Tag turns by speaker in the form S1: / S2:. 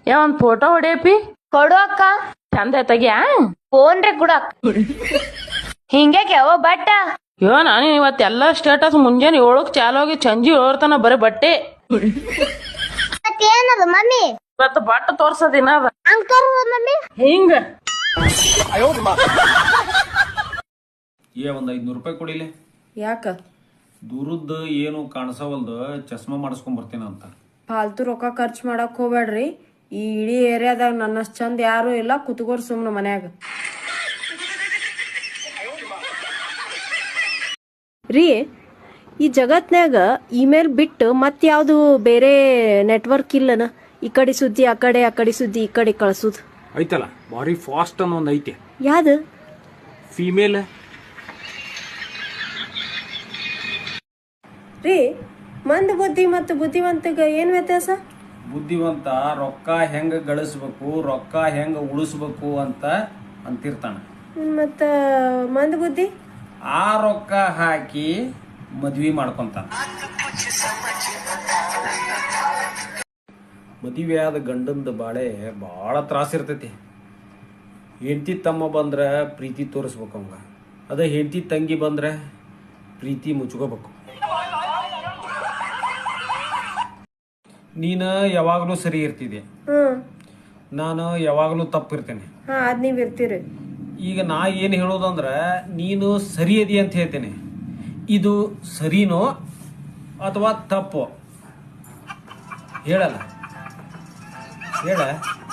S1: ಒಂದ್ ಫೋಟೋ ಹೊಡಿಯಪಿ.
S2: ಕೊಡು ಅಕ್ಕ.
S1: ಚಂದ ತೆಗಿಯಾ.
S2: ಫೋನ್ ರೀ ಕೊಡು ಅಕ್ಕ. ಹಿಂಗ್ಯಾಕೆ ಯಾವ ಬಟ್ಟ?
S1: ನಾನು ಇವತ್ತೆಲ್ಲ ಸ್ಟೇಟಸ್ ಮುಂಜಾನೆ 7ಕ್ಕೆ ಚಾಲು ಆಗಿ ಸಂಜೆ 7 ತನ ಬರೀ ಬಟ್ಟೆ.
S2: ಏನದ ಮಮ್ಮಿ?
S1: ಇವತ್ತು ಬಟ್ಟ ತೋರ್ಸದಿನ ಅದ
S2: ಅಂಕರ್ ಮಮ್ಮಿ
S1: ಹಿಂಗ.
S3: ಒಂದ್ 500 ರೂಪಾಯಿ ಕೊಡಿಲೆ.
S4: ಯಾಕ?
S3: ದೂರದ್ದು ಏನು ಕಾಣಿಸವಲ್ದು, ಚಸ್ಮಾ ಮಾಡಿಸ್ಕೊಂಡ್ ಬರ್ತೀನಂತ.
S4: ಫಾಲ್ತು ರೊಕ್ಕ ಖರ್ಚು ಮಾಡಕ್ ಹೋಗ್ಬೇಡ್ರಿ. ಈ ಇಡೀ ಏರಿಯಾದಾಗ ನನ್ನಷ್ಟು ಚಂದ ಯಾರು ಇಲ್ಲ. ಕುತ್ಕೋರ್ ಸುಮ್ನ ಮನ್ಯಾಗ. ರೀ, ಈ ಜಗತ್ನ್ಯಾಗ ಇಮೇಲ್ ಬಿಟ್ಟು ಮತ್ತೆ ಯಾವ್ದು ಬೇರೆ ನೆಟ್ವರ್ಕ್ ಇಲ್ಲನ? ಈ ಕಡೆ ಸುದ್ದಿ ಆ ಕಡೆ ಸುದ್ದಿ ಈ ಕಡೆ ಕಳ್ಸುದು
S3: ಐತಲ್ಲ, ಬಾರಿ ಫಾಸ್ಟ್ ಅನ್ನೋ ಒಂದ್ ಐತೆ.
S4: ಯಾವ್ದು?
S3: ಫಿಮೇಲ್.
S4: ರೀ, ಮಂದ ಬುದ್ಧಿ ಮತ್ತು ಬುದ್ಧಿವಂತಗ ಏನ್ ವ್ಯತ್ಯಾಸ?
S3: ಬುದ್ಧಿವಂತ ರೊಕ್ಕ ಹೆಂಗ ಗಳಿಸ್ಬೇಕು, ರೊಕ್ಕ ಹೆಂಗ ಉಳಿಸ್ಬೇಕು ಅಂತ ಅಂತಿರ್ತಾನ.
S4: ಮತ್ತ ಮಂದ ಬುದ್ಧಿ
S3: ಆ ರೊಕ್ಕ ಹಾಕಿ ಮದ್ವಿ ಮಾಡ್ಕೊಂತಾನ. ಮದುವೆ ಆದ ಗಂಡಂದ ಬಾಳೆ ಭಾಳ ತ್ರಾಸ ಇರ್ತೈತಿ. ಹೆಂಡತಿ ತಮ್ಮ ಬಂದ್ರ ಪ್ರೀತಿ ತೋರಿಸ್ಬೇಕು ಅವಂಗ. ಅದ ಹೆಂಡತಿ ತಂಗಿ ಬಂದ್ರೆ ಪ್ರೀತಿ ಮುಚ್ಕೋಬೇಕು. ನೀನು ಯಾವಾಗಲೂ ಸರಿ ಇರ್ತಿದೆ, ನಾನು ಯಾವಾಗಲೂ ತಪ್ಪಿರ್ತೇನೆ.
S4: ಅದ್ ನೀವ್ ಇರ್ತೀರಿ.
S3: ಈಗ ನಾ ಏನು ಹೇಳೋದಂದ್ರೆ, ನೀನು ಸರಿ ಅದಿ ಅಂತ ಹೇಳ್ತೇನೆ. ಇದು ಸರಿನೋ ಅಥವಾ ತಪ್ಪೋ ಹೇಳಲ್ಲ, ಹೇಳ.